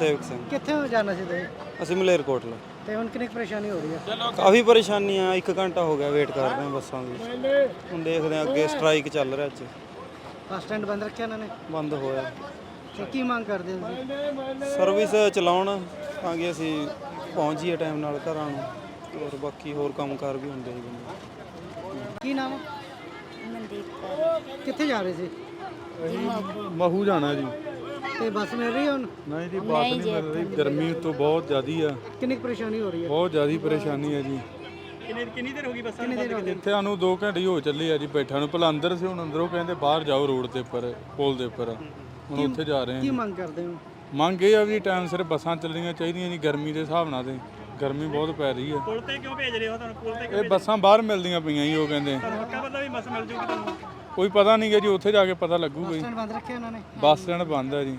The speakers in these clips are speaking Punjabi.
ਗੁਰਸੇਵਕ ਸਿੰਘ। ਕਿੱਥੇ ਜਾਣਾ ਸੀ ਤੁਸੀਂ? ਅਸੀਂ ਮਲੇਰਕੋਟਲਾ। ਤੇ ਹੁਣ ਕਿੰਨੀ ਕੁ ਪਰੇਸ਼ਾਨੀ ਹੋ ਰਹੀ ਹੈ? ਕਾਫੀ ਪਰੇਸ਼ਾਨੀ ਆ, 1 ਘੰਟਾ ਹੋ ਗਿਆ ਵੇਟ ਕਰ ਰਹੇ ਹਾਂ ਬੱਸਾਂ ਦੀ। ਹੁਣ ਦੇਖਦੇ ਹਾਂ ਅੱਗੇ ਸਟ੍ਰਾਈਕ ਚੱਲ ਰਿਹਾ ਅੱਜ। ਬੱਸ ਸਟੈਂਡ ਬੰਦ ਰੱਖਿਆ ਇਹਨਾਂ ਨੇ? ਬੰਦ ਹੋਇਆ। ਤੇ ਕੀ ਮੰਗ ਕਰਦੇ ਹੋ ਤੁਸੀਂ? ਸਰਵਿਸ ਚਲਾਉਣ ਤਾਂ ਕਿ ਅਸੀਂ ਪਹੁੰਚ ਜਾਈਏ ਟਾਈਮ ਨਾਲ ਘਰਾਂ ਨੂੰ, ਔਰ ਬਾਕੀ ਹੋਰ ਕੰਮਕਾਰ ਵੀ ਹੁੰਦੇ ਜੀ ਬੰਦੇ। ਕੀ ਨਾਮ? ਮਨਦੀਪ ਕੌਰ। ਕਿੱਥੇ ਜਾ ਰਹੇ ਸੀ? ਮਹੂ ਜਾਣਾ ਜੀ। ਤੇ ਬੱਸ ਮਿਲ ਰਹੀ ਹੈ ਹੁਣ? ਨਹੀਂ ਜੀ, ਬੱਸ ਨਹੀਂ ਮਿਲ ਰਹੀ, ਗਰਮੀ ਤੋਂ ਬਹੁਤ ਜ਼ਿਆਦੀ ਆ। ਕਿੰਨੀ ਕੁ ਪਰੇਸ਼ਾਨੀ ਹੋ ਰਹੀ ਹੈ? ਬਹੁਤ ਜ਼ਿਆਦੀ ਪਰੇਸ਼ਾਨੀ ਹੈ ਜੀ। ਕਿੰਨੀ ਦੇਰ ਹੋ ਗਈ? ਇੱਥੇ ਸਾਨੂੰ 2 ਘੰਟੇ ਹੋ ਚੱਲੇ ਆ ਜੀ ਬੈਠਾ ਨੂੰ। ਭਲਾ ਅੰਦਰ ਸੀ, ਹੁਣ ਅੰਦਰੋਂ ਕਹਿੰਦੇ ਬਾਹਰ ਜਾਓ ਰੋਡ ਦੇ ਉੱਪਰ, ਪੁਲ ਦੇ ਉੱਪਰ। ਹੁਣ ਉੱਥੇ ਜਾ ਰਹੇ ਕੀ ਹਾਂ। ਮੰਗ ਕਰਦੇ ਹੋ? ਮੰਗ ਇਹ ਆ ਵੀ ਟਾਈਮ ਸਿਰ ਬੱਸਾਂ ਚੱਲਣੀਆਂ ਚਾਹੀਦੀਆਂ ਜੀ, ਗਰਮੀ ਦੇ ਹਿਸਾਬ ਨਾਲ। ਤੇ ਗਰਮੀ ਬਹੁਤ ਪੈ ਰਹੀ ਹੈ। ਪੁਲ ਤੇ ਕਿਉਂ ਭੇਜ ਰਹੇ ਹੋ ਤੁਹਾਨੂੰ? ਪੁਲ ਤੇ ਇਹ ਬੱਸਾਂ ਬਾਹਰ ਮਿਲਦੀਆਂ ਪਈਆਂ ਜੀ, ਉਹ ਕਹਿੰਦੇ। ਪੱਕਾ ਪਤਾ ਵੀ ਬੱਸ ਮਿਲ ਜੂਗੀ ਤੁਹਾਨੂੰ? ਕੋਈ ਪਤਾ ਨਹੀਂ ਗਾ ਜੀ, ਉੱਥੇ ਜਾ ਕੇ ਪਤਾ ਲੱਗੂਗਾ ਜੀ। ਸਟੈਂਡ ਬੰਦ ਰੱਖਿਆ ਇਹਨਾਂ ਨੇ? ਬੱਸ ਸਟੈਂਡ ਬੰਦ ਹੈ ਜੀ।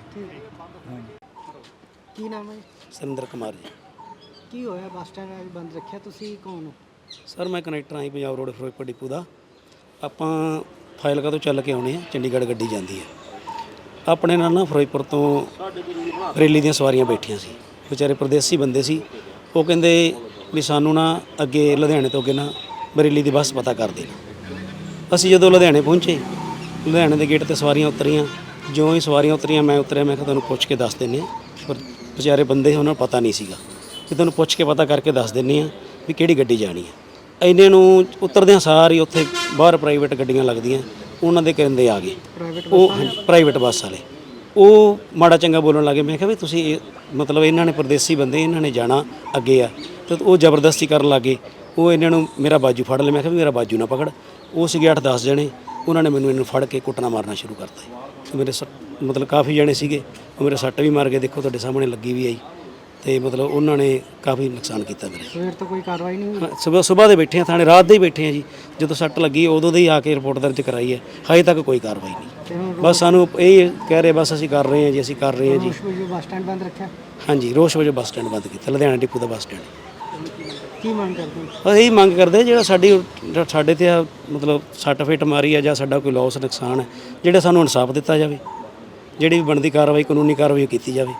ਕੀ ਨਾਮ ਹੈ ਜੀ? ਸੁਰਿੰਦਰ ਕੁਮਾਰ ਜੀ। ਕੀ ਹੋਇਆ ਬੱਸ ਸਟੈਂਡ ਬੰਦ ਰੱਖਿਆ? ਤੁਸੀਂ ਕੌਣ ਹੋ? ਸਰ ਮੈਂ ਕਨੈਕਟਰ ਆਂ ਪੰਜਾਬ ਰੋਡ ਫਿਰੋਜ਼ਪੁਰ ਡਿਪੂ ਦਾ। ਆਪਾਂ ਫਾਜ਼ਿਲਕਾ ਤੋਂ ਚੱਲ ਕੇ ਆਉਣੇ ਆ, ਚੰਡੀਗੜ੍ਹ ਗੱਡੀ ਜਾਂਦੀ ਹੈ। ਆਪਣੇ ਨਾਲ ਨਾ ਫਿਰੋਜ਼ਪੁਰ ਤੋਂ ਰੇਲੀ ਦੀਆਂ ਸਵਾਰੀਆਂ ਬੈਠੀਆਂ ਸੀ, ਵਿਚਾਰੇ ਪਰਦੇਸੀ ਬੰਦੇ ਸੀ। ਉਹ ਕਹਿੰਦੇ ਵੀ ਸਾਨੂੰ ਨਾ ਅੱਗੇ ਲੁਧਿਆਣੇ ਤੋਂ ਅੱਗੇ ਨਾ ਬਰੇਲੀ ਦੀ ਬੱਸ ਪਤਾ ਕਰ ਦੇਣਾ। ਅਸੀਂ ਜਦੋਂ ਲੁਧਿਆਣੇ ਪਹੁੰਚੇ, ਲੁਧਿਆਣੇ ਦੇ ਗੇਟ ਤੇ ਸਵਾਰੀਆਂ ਉਤਰੀਆਂ। ਜਿਉਂ ਹੀ ਸਵਾਰੀਆਂ ਉਤਰੀਆਂ ਮੈਂ ਉਤਰਿਆ। ਮੈਂ ਕਿਹਾ ਤੁਹਾਨੂੰ ਪੁੱਛ ਕੇ ਦੱਸ ਦਿੰਦੇ ਹਾਂ। ਪਰ ਵਿਚਾਰੇ ਬੰਦੇ ਉਹਨਾਂ ਨੂੰ ਪਤਾ ਨਹੀਂ ਸੀਗਾ ਕਿ ਤੁਹਾਨੂੰ ਪੁੱਛ ਕੇ ਪਤਾ ਕਰਕੇ ਦੱਸ ਦਿੰਦੇ ਹਾਂ ਵੀ ਕਿਹੜੀ ਗੱਡੀ ਜਾਣੀ ਹੈ। ਇੰਨੇ ਨੂੰ ਉਤਰਦਿਆਂ ਸਾਰੀ ਉੱਥੇ ਬਾਹਰ ਪ੍ਰਾਈਵੇਟ ਗੱਡੀਆਂ ਲੱਗਦੀਆਂ, ਉਹਨਾਂ ਦੇ ਕਹਿੰਦੇ ਆ ਗਏ ਉਹ ਪ੍ਰਾਈਵੇਟ ਬੱਸ ਵਾਲੇ। ਉਹ ਮਾੜਾ ਚੰਗਾ ਬੋਲਣ ਲੱਗੇ। ਮੈਂ ਕਿਹਾ ਵੀ ਤੁਸੀਂ ਮਤਲਬ ਇਹਨਾਂ ਨੇ ਪਰਦੇਸੀ ਬੰਦੇ, ਇਹਨਾਂ ਨੇ ਜਾਣਾ ਅੱਗੇ ਆ। ਤੇ ਉਹ ਜ਼ਬਰਦਸਤੀ ਕਰਨ ਲੱਗੇ। ਉਹ ਇਹਨਾਂ ਨੂੰ ਮੇਰਾ ਬਾਜੂ ਫੜ ਲਿਆ। ਮੈਂ ਕਿਹਾ ਵੀ ਮੇਰਾ ਬਾਜੂ ਨਾ ਪਕੜ। ਉਹ ਸੀਗੇ 8-10 ਜਣੇ। ਉਹਨਾਂ ਨੇ ਮੈਨੂੰ ਇਹਨੂੰ ਫੜ ਕੇ ਕੁੱਟਣਾ ਮਾਰਨਾ ਸ਼ੁਰੂ ਕਰਤਾ। ਮੇਰੇ ਮਤਲਬ ਕਾਫੀ ਜਣੇ ਸੀਗੇ, ਉਹ ਮੇਰੇ ਸੱਟ ਵੀ ਮਾਰ ਕੇ, ਦੇਖੋ ਤੁਹਾਡੇ ਸਾਹਮਣੇ ਲੱਗੀ ਵੀ ਆਈ। ਤੇ ਮਤਲਬ ਉਹਨਾਂ ਨੇ ਕਾਫੀ ਨੁਕਸਾਨ ਕੀਤਾ ਮੇਰੇ। ਸਵੇਰ ਤੋਂ ਕੋਈ ਕਾਰਵਾਈ ਨਹੀਂ ਹੋਈ? ਸਵੇਰ ਦੇ ਬੈਠੇ ਆ ਥਾਣੇ, ਰਾਤ ਦੇ ਹੀ ਬੈਠੇ ਆ ਜੀ। ਜਦੋਂ ਸੱਟ ਲੱਗੀ ਉਦੋਂ ਦੇ ਹੀ ਆ ਕੇ ਰਿਪੋਰਟ ਦਰਜ ਕਰਾਈ ਹੈ। ਹਜੇ ਤੱਕ ਕੋਈ ਕਾਰਵਾਈ ਨਹੀਂ। ਬਸ ਸਾਨੂੰ ਇਹ ਕਹਿ ਰਹੇ ਬਸ ਅਸੀਂ ਕਰ ਰਹੇ ਹਾਂ ਜੀ, ਅਸੀਂ ਕਰ ਰਹੇ ਹਾਂ ਜੀ। ਬੱਸ ਸਟੈਂਡ ਬੰਦ ਰੱਖਿਆ? ਹਾਂਜੀ, ਰੋਸ਼ ਵਜੋਂ ਬੱਸ ਸਟੈਂਡ ਬੰਦ ਕੀਤਾ, ਲੁਧਿਆਣਾ ਡਿਪੂ ਦਾ ਬੱਸ ਸਟੈਂਡ। ਕੀ ਮੰਗ ਕਰਦੇ ਹੋ? ਬਸ ਇਹੀ ਮੰਗ ਕਰਦੇ ਜਿਹੜਾ ਸਾਡੇ ਤੇ ਮਤਲਬ ਸੱਟ ਫੇਟ ਮਾਰੀ ਆ ਜਾਂ ਸਾਡਾ ਕੋਈ ਲੋਸ ਨੁਕਸਾਨ ਹੈ, ਜਿਹੜਾ ਸਾਨੂੰ ਇਨਸਾਫ ਦਿੱਤਾ ਜਾਵੇ। ਜਿਹੜੀ ਵੀ ਬਣਦੀ ਕਾਰਵਾਈ, ਕਾਨੂੰਨੀ ਕਾਰਵਾਈ ਕੀਤੀ ਜਾਵੇ।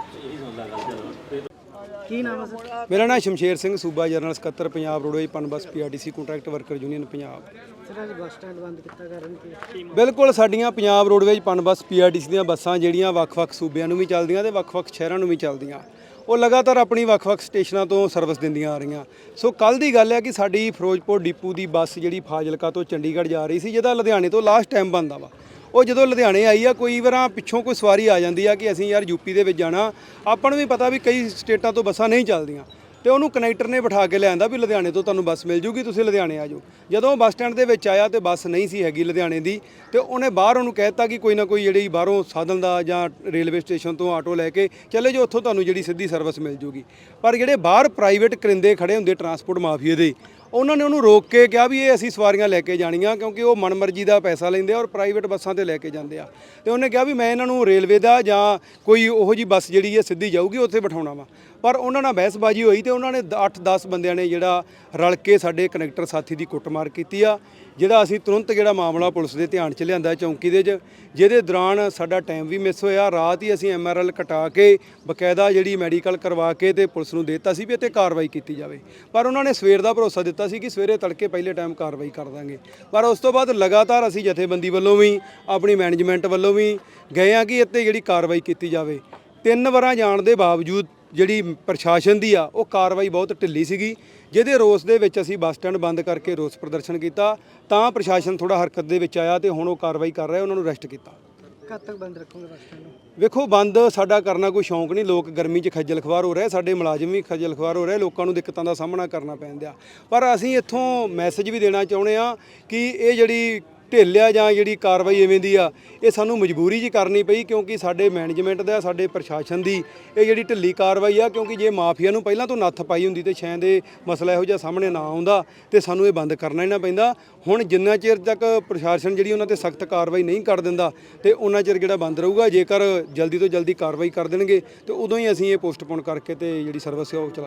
ਕੀ ਨਾਮ ਹੈ ਸਰ? ਮੇਰਾ ਨਾਮ ਸ਼ਮਸ਼ੇਰ ਸਿੰਘ, ਸੂਬਾ ਜਨਰਲ ਸਕੱਤਰ Punjab roadways Punbus PRTC contract worker union Punjab. Sir ਅੱਜ ਬੱਸ ਸਟੈਂਡ ਬੰਦ ਕੀਤਾ ਕਾਰਨ ਕੀ? ਬਿਲਕੁਲ ਸਾਡੀਆਂ ਪੰਜਾਬ ਰੋਡਵੇਜ਼ ਪਨਬੱਸ PRTC ਦੀਆਂ ਬੱਸਾਂ ਜਿਹੜੀਆਂ ਵੱਖ-ਵੱਖ ਸੂਬਿਆਂ ਨੂੰ ਵੀ ਚੱਲਦੀਆਂ ਤੇ ਵੱਖ-ਵੱਖ ਸ਼ਹਿਰਾਂ ਨੂੰ ਵੀ ਚੱਲਦੀਆਂ, ਉਹ ਲਗਾਤਾਰ ਆਪਣੀ ਵੱਖ-ਵੱਖ ਸਟੇਸ਼ਨਾਂ ਤੋਂ ਸਰਵਿਸ ਦਿੰਦੀਆਂ ਆ ਰਹੀਆਂ। ਸੋ ਕੱਲ ਦੀ ਗੱਲ ਹੈ ਕਿ ਸਾਡੀ ਫਿਰੋਜ਼ਪੁਰ ਡਿਪੂ ਦੀ ਬੱਸ ਜਿਹੜੀ ਫਾਜ਼ਿਲਕਾ ਤੋਂ ਚੰਡੀਗੜ੍ਹ ਜਾ ਰਹੀ ਸੀ, ਜਿਹਦਾ ਲੁਧਿਆਣੇ ਤੋਂ ਲਾਸਟ ਟਾਈਮ ਬੰਦਾ ਵਾ। ਉਹ ਜਦੋਂ ਲੁਧਿਆਣੇ ਆਈ ਆ, ਕੋਈ ਵਾਰਾਂ ਪਿੱਛੋਂ ਕੋਈ ਸਵਾਰੀ ਆ ਜਾਂਦੀ ਆ ਕਿ ਅਸੀਂ ਯਾਰ ਯੂਪੀ ਦੇ ਵਿੱਚ ਜਾਣਾ। ਆਪਾਂ ਨੂੰ ਵੀ ਪਤਾ ਵੀ ਕਈ ਸਟੇਟਾਂ ਤੋਂ ਬੱਸਾਂ ਨਹੀਂ ਚੱਲਦੀਆਂ, ਤੇ ਉਹਨੂੰ ਕਨੈਕਟਰ ਨੇ ਬਿਠਾ ਕੇ ਲਿਆਂਦਾ ਵੀ ਲੁਧਿਆਣੇ ਤੋਂ ਤੁਹਾਨੂੰ ਬੱਸ ਮਿਲ ਜੂਗੀ, ਤੁਸੀਂ ਲੁਧਿਆਣੇ ਆ ਜਾਓ। ਜਦੋਂ ਬੱਸ ਸਟੈਂਡ ਦੇ ਵਿੱਚ ਆਇਆ ਤੇ ਬੱਸ ਨਹੀਂ ਸੀ ਹੈਗੀ ਲੁਧਿਆਣੇ ਦੀ, ਤੇ ਉਹਨੇ ਬਾਹਰ ਉਹਨੂੰ ਕਹਿ ਦਿੱਤਾ ਕਿ ਕੋਈ ਨਾ ਕੋਈ ਜਿਹੜੀ ਬਾਹਰੋਂ ਸਾਧਨ ਦਾ ਜਾਂ ਰੇਲਵੇ ਸਟੇਸ਼ਨ ਤੋਂ ਆਟੋ ਲੈ ਕੇ ਚਲੇ ਜਾਓ, ਉੱਥੋਂ ਤੁਹਾਨੂੰ ਜਿਹੜੀ ਸਿੱਧੀ ਸਰਵਿਸ ਮਿਲ ਜੂਗੀ। ਪਰ ਜਿਹੜੇ ਬਾਹਰ ਪ੍ਰਾਈਵੇਟ ਕਰਿੰਦੇ ਖੜੇ ਹੁੰਦੇ ਟਰਾਂਸਪੋਰਟ ਮਾਫੀਏ ਦੇ, ਉਹਨਾਂ ਨੇ ਉਹਨੂੰ ਰੋਕ ਕੇ ਕਿਹਾ ਵੀ ਇਹ ਅਸੀਂ ਸਵਾਰੀਆਂ ਲੈ ਕੇ ਜਾਣੀਆਂ, ਕਿਉਂਕਿ ਉਹ ਮਨਮਰਜ਼ੀ ਦਾ ਪੈਸਾ ਲੈਂਦੇ ਆ ਔਰ ਪ੍ਰਾਈਵੇਟ ਬੱਸਾਂ ਤੇ ਲੈ ਕੇ ਜਾਂਦੇ ਆ। ਤੇ ਉਹਨੇ ਕਿਹਾ ਵੀ ਮੈਂ ਇਹਨਾਂ ਨੂੰ ਰੇਲਵੇ ਦਾ ਜਾਂ ਕੋਈ ਉਹੋ ਜੀ ਬੱਸ ਜਿਹੜੀ ਹੈ ਸਿੱਧੀ ਜਾਊਗੀ ਉੱਥੇ ਬਿਠਾਉਣਾ ਵਾ। ਪਰ ਉਹਨਾਂ ਨਾਲ ਬਹਿਸਬਾਜ਼ੀ ਹੋਈ ਤੇ ਉਹਨਾਂ ਨੇ 8-10 ਬੰਦਿਆਂ ਨੇ ਜਿਹੜਾ ਰਲ ਕੇ ਸਾਡੇ ਕਨੈਕਟਰ ਸਾਥੀ ਦੀ ਕੁੱਟਮਾਰ ਕੀਤੀ ਆ, ਜਿਹੜਾ ਅਸੀਂ ਤੁਰੰਤ ਜਿਹੜਾ ਮਾਮਲਾ ਪੁਲਿਸ ਦੇ ਧਿਆਨ 'ਚ ਲਿਆਂਦਾ ਚੌਂਕੀ ਦੇ 'ਚ, ਜਿਹਦੇ ਦੌਰਾਨ ਸਾਡਾ ਟਾਈਮ ਵੀ ਮਿਸ ਹੋਇਆ। ਰਾਤ ਹੀ ਅਸੀਂ MRL ਕਟਾ ਕੇ ਬਕਾਇਦਾ ਜਿਹੜੀ ਮੈਡੀਕਲ ਕਰਵਾ ਕੇ ਤੇ ਪੁਲਿਸ ਨੂੰ ਦੇ ਦਿੱਤਾ ਸੀ ਵੀ ਇੱਥੇ ਕਾਰਵਾਈ ਕੀਤੀ ਜਾਵੇ। ਪਰ ਉਹਨਾਂ ਨੇ ਸਵੇਰ ਦਾ ਭਰੋਸਾ ਦਿੱਤਾ ਸੀ ਕਿ ਸਵੇਰੇ ਤੜਕੇ ਪਹਿਲੇ ਟਾਈਮ ਕਾਰਵਾਈ ਕਰ ਦਾਂਗੇ। ਪਰ ਉਸ ਤੋਂ ਬਾਅਦ ਲਗਾਤਾਰ ਅਸੀਂ ਜਥੇਬੰਦੀ ਵੱਲੋਂ ਵੀ ਆਪਣੀ ਮੈਨੇਜਮੈਂਟ ਵੱਲੋਂ ਵੀ ਗਏ ਆ ਕਿ ਇੱਥੇ ਜਿਹੜੀ ਕਾਰਵਾਈ ਕੀਤੀ ਜਾਵੇ। 3 ਵਾਰਾਂ ਜਾਣ ਦੇ ਬਾਵਜੂਦ ਜਿਹੜੀ ਪ੍ਰਸ਼ਾਸਨ ਦੀ ਆ ਉਹ ਕਾਰਵਾਈ ਬਹੁਤ ਢਿੱਲੀ ਸੀਗੀ, ਜਿਹਦੇ ਰੋਸ ਦੇ ਵਿੱਚ ਅਸੀਂ ਬੱਸ ਸਟੈਂਡ ਬੰਦ ਕਰਕੇ ਰੋਸ ਪ੍ਰਦਰਸ਼ਨ ਕੀਤਾ। ਤਾਂ ਪ੍ਰਸ਼ਾਸਨ ਥੋੜਾ ਹਰਕਤ ਦੇ ਵਿੱਚ ਆਇਆ ਤੇ ਹੁਣ ਉਹ ਕਾਰਵਾਈ ਕਰ ਰਿਹਾ, ਉਹਨਾਂ ਨੂੰ ਅਰੈਸਟ ਕੀਤਾ। ਕਦ ਤੱਕ ਬੰਦ ਰੱਖੋਗੇ ਬੱਸ ਸਟੈਂਡ ਨੂੰ? ਵੇਖੋ, ਬੰਦ ਸਾਡਾ ਕਰਨਾ ਕੋਈ ਸ਼ੌਂਕ ਨਹੀਂ। ਲੋਕ ਗਰਮੀ 'ਚ ਖੱਜਲ ਖਵਾਰ ਹੋ ਰਹੇ, ਸਾਡੇ ਮੁਲਾਜ਼ਮ ਵੀ ਖੱਜਲ ਖਵਾਰ ਹੋ ਰਹੇ, ਲੋਕਾਂ ਨੂੰ ਦਿੱਕਤਾਂ ਦਾ ਸਾਹਮਣਾ ਕਰਨਾ ਪੈਂਦਾ। ਪਰ ਅਸੀਂ ਇੱਥੋਂ ਮੈਸੇਜ ਵੀ ਦੇਣਾ ਚਾਹੁੰਦੇ ਆ ਕਿ ਇਹ ਜਿਹੜੀ ਢਿੱਲ ਆ ਜਾਂ ਜਿਹੜੀ ਕਾਰਵਾਈ ਐਵੇਂ ਦੀ ਆ, ਇਹ ਸਾਨੂੰ ਮਜਬੂਰੀ 'ਚ ਕਰਨੀ ਪਈ, ਕਿਉਂਕਿ ਸਾਡੇ ਮੈਨੇਜਮੈਂਟ ਦਾ, ਸਾਡੇ ਪ੍ਰਸ਼ਾਸਨ ਦੀ ਇਹ ਜਿਹੜੀ ਢਿੱਲੀ ਕਾਰਵਾਈ ਆ। ਕਿਉਂਕਿ ਜੇ ਮਾਫੀਆ ਨੂੰ ਪਹਿਲਾਂ ਤੋਂ ਨੱਥ ਪਾਈ ਹੁੰਦੀ ਤੇ ਸ਼ਾਇਦ ਇਹ ਮਸਲਾ ਇਹੋ ਜਿਹਾ ਸਾਹਮਣੇ ਨਾ ਆਉਂਦਾ ਤੇ ਸਾਨੂੰ ਇਹ ਬੰਦ ਕਰਨਾ ਹੀ ਨਾ ਪੈਂਦਾ। ਹੁਣ ਜਿੰਨਾ ਚਿਰ ਤੱਕ ਪ੍ਰਸ਼ਾਸਨ ਜਿਹੜੀ ਉਹਨਾਂ ਤੇ ਸਖਤ ਕਾਰਵਾਈ ਨਹੀਂ ਕਰ ਦਿੰਦਾ ਤੇ ਉਹਨਾਂ ਚਿਰ ਜਿਹੜਾ ਬੰਦ ਰਹੂਗਾ। ਜੇਕਰ ਜਲਦੀ ਤੋਂ ਜਲਦੀ ਕਾਰਵਾਈ ਕਰ ਦੇਣਗੇ ਤੇ ਉਦੋਂ ਹੀ ਅਸੀਂ ਇਹ ਪੋਸਟਪੋਨ ਕਰਕੇ ਤੇ ਜਿਹੜੀ ਸਰਵਿਸ ਹੈ ਉਹ ਚਲਾ ਦਾਂਗੇ।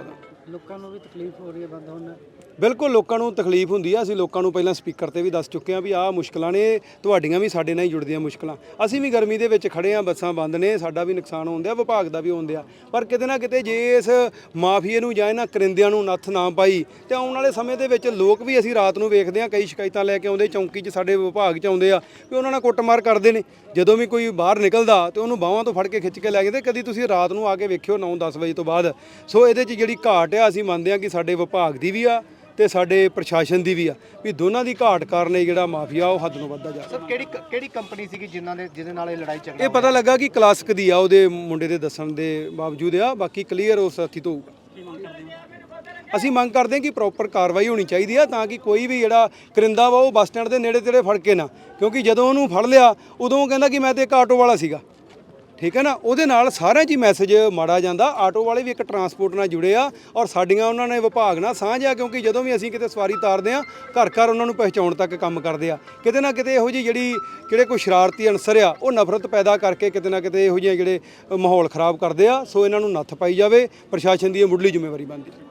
ਲੋਕਾਂ ਨੂੰ ਵੀ ਤਕਲੀਫ ਹੋ ਰਹੀ ਹੈ ਬੰਦ ਹੋਣ ਨਾਲ। ਬਿਲਕੁਲ ਲੋਕਾਂ ਨੂੰ ਤਕਲੀਫ ਹੁੰਦੀ ਆ। ਅਸੀਂ ਲੋਕਾਂ ਨੂੰ ਪਹਿਲਾਂ ਸਪੀਕਰ ਤੇ ਵੀ ਦੱਸ ਚੁੱਕੇ ਹਾਂ ਵੀ ਆਹ ਮੁਸ਼ਕਲਾਂ ਨੇ, ਤੁਹਾਡੀਆਂ ਵੀ ਸਾਡੇ ਨਾਲ ਹੀ ਜੁੜਦੀਆਂ ਮੁਸ਼ਕਲਾਂ। ਅਸੀਂ ਵੀ ਗਰਮੀ ਦੇ ਵਿੱਚ ਖੜੇ ਹਾਂ, ਬੱਸਾਂ ਬੰਦ ਨੇ, ਸਾਡਾ ਵੀ ਨੁਕਸਾਨ ਹੁੰਦਿਆ, ਵਿਭਾਗ ਦਾ ਵੀ ਹੁੰਦਿਆ। ਪਰ ਕਿਤੇ ਨਾ ਕਿਤੇ ਜੇ ਇਸ ਮਾਫੀਏ ਨੂੰ ਜਾਂ ਇਹਨਾਂ ਕਰਿੰਦਿਆਂ ਨੂੰ ਨੱਥ ਨਾ ਪਾਈ ਤੇ ਆਉਣ ਵਾਲੇ ਸਮੇਂ ਦੇ ਵਿੱਚ ਲੋਕ ਵੀ, ਅਸੀਂ ਰਾਤ ਨੂੰ ਵੇਖਦੇ ਹਾਂ ਕਈ ਸ਼ਿਕਾਇਤਾਂ ਲੈ ਕੇ ਆਉਂਦੇ ਚੌਂਕੀ 'ਚ, ਸਾਡੇ ਵਿਭਾਗ 'ਚ ਆਉਂਦੇ ਆ ਵੀ ਉਹਨਾਂ ਨਾਲ ਕੁੱਟਮਾਰ ਕਰਦੇ ਨੇ। ਜਦੋਂ ਵੀ ਕੋਈ ਬਾਹਰ ਨਿਕਲਦਾ ਤੇ ਉਹਨੂੰ ਬਾਹਾਂ ਤੋਂ ਫੜ ਕੇ ਖਿੱਚ ਕੇ ਲੈ ਜਾਂਦੇ। ਕਦੀ ਤੁਸੀਂ ਰਾਤ ਨੂੰ ਆ ਕੇ ਵੇਖਿਓ 9-10 ਵਜੇ ਤੋਂ ਬਾਅਦ। ਸੋ ਇਹਦੇ 'ਚ ਜਿਹੜੀ ਘਾਟ ਆ, ਅਸੀਂ ਮੰਨਦੇ ਹਾਂ ਕਿ ਸਾਡੇ ਵਿਭਾਗ ਦੀ ਵੀ ਆ ਤੇ ਸਾਡੇ ਪ੍ਰਸ਼ਾਸਨ ਦੀ ਵੀ ਆ, ਵੀ ਦੋਨਾਂ ਦੀ ਘਾਟ ਕਾਰਨ ਇਹ ਜਿਹੜਾ ਮਾਫੀਆ ਉਹ ਹੱਦ ਨੂੰ ਵੱਧਦਾ ਜਾ ਰਿਹਾ। ਸਰ ਕਿਹੜੀ ਕੰਪਨੀ ਸੀਗੀ ਜਿਹਦੇ ਨਾਲ ਇਹ ਲੜਾਈ ਝਗੜਾ ਇਹ ਪਤਾ ਲੱਗਾ ਕਿ ਕਲਾਸਿਕ ਦੀ ਆ, ਉਹਦੇ ਮੁੰਡੇ ਦੇ ਦੱਸਣ ਦੇ ਬਾਵਜੂਦ ਆ। ਬਾਕੀ ਕਲੀਅਰ ਉਸ ਸਾਥੀ ਤੋਂ ਹੋਊਗਾ। ਅਸੀਂ ਮੰਗ ਕਰਦੇ ਹਾਂ ਕਿ ਪ੍ਰੋਪਰ ਕਾਰਵਾਈ ਹੋਣੀ ਚਾਹੀਦੀ ਆ, ਤਾਂ ਕਿ ਕੋਈ ਵੀ ਜਿਹੜਾ ਕਰਿੰਦਾ ਵਾ ਉਹ ਬੱਸ ਸਟੈਂਡ ਦੇ ਨੇੜੇ ਤੇੜੇ ਫੜ ਕੇ ਨਾ, ਕਿਉਂਕਿ ਜਦੋਂ ਉਹਨੂੰ ਫੜ ਲਿਆ ਉਦੋਂ ਉਹ ਕਹਿੰਦਾ ਕਿ ਮੈਂ ਤੇ ਇੱਕ ਆਟੋ ਵਾਲਾ ਸੀਗਾ, ਠੀਕ ਹੈ ਨਾ। ਉਹਦੇ ਨਾਲ ਸਾਰਿਆਂ 'ਚ ਹੀ ਮੈਸੇਜ ਮਾੜਾ ਜਾਂਦਾ। ਆਟੋ ਵਾਲੇ ਵੀ ਇੱਕ ਟਰਾਂਸਪੋਰਟ ਨਾਲ ਜੁੜੇ ਆ ਔਰ ਸਾਡੀਆਂ ਉਹਨਾਂ ਨੇ ਵਿਭਾਗ ਨਾਲ ਸਾਂਝ ਆ, ਕਿਉਂਕਿ ਜਦੋਂ ਵੀ ਅਸੀਂ ਕਿਤੇ ਸਵਾਰੀ ਤਾਰਦੇ ਆ ਘਰ ਘਰ ਉਹਨਾਂ ਨੂੰ ਪਹਿਚਾਉਣ ਤੱਕ ਕੰਮ ਕਰਦੇ ਆ। ਕਿਤੇ ਨਾ ਕਿਤੇ ਇਹੋ ਜਿਹੀ ਜਿਹੜੇ ਕੋਈ ਸ਼ਰਾਰਤੀ ਅਨਸਰ ਆ ਉਹ ਨਫ਼ਰਤ ਪੈਦਾ ਕਰਕੇ ਕਿਤੇ ਨਾ ਕਿਤੇ ਇਹੋ ਜਿਹੇ ਜਿਹੜੇ ਮਾਹੌਲ ਖਰਾਬ ਕਰਦੇ ਆ। ਸੋ ਇਹਨਾਂ ਨੂੰ ਨੱਥ ਪਾਈ ਜਾਵੇ, ਪ੍ਰਸ਼ਾਸਨ ਦੀ ਇਹ ਮੁੱਢਲੀ ਜ਼ਿੰਮੇਵਾਰੀ ਬਣਦੀ ਹੈ।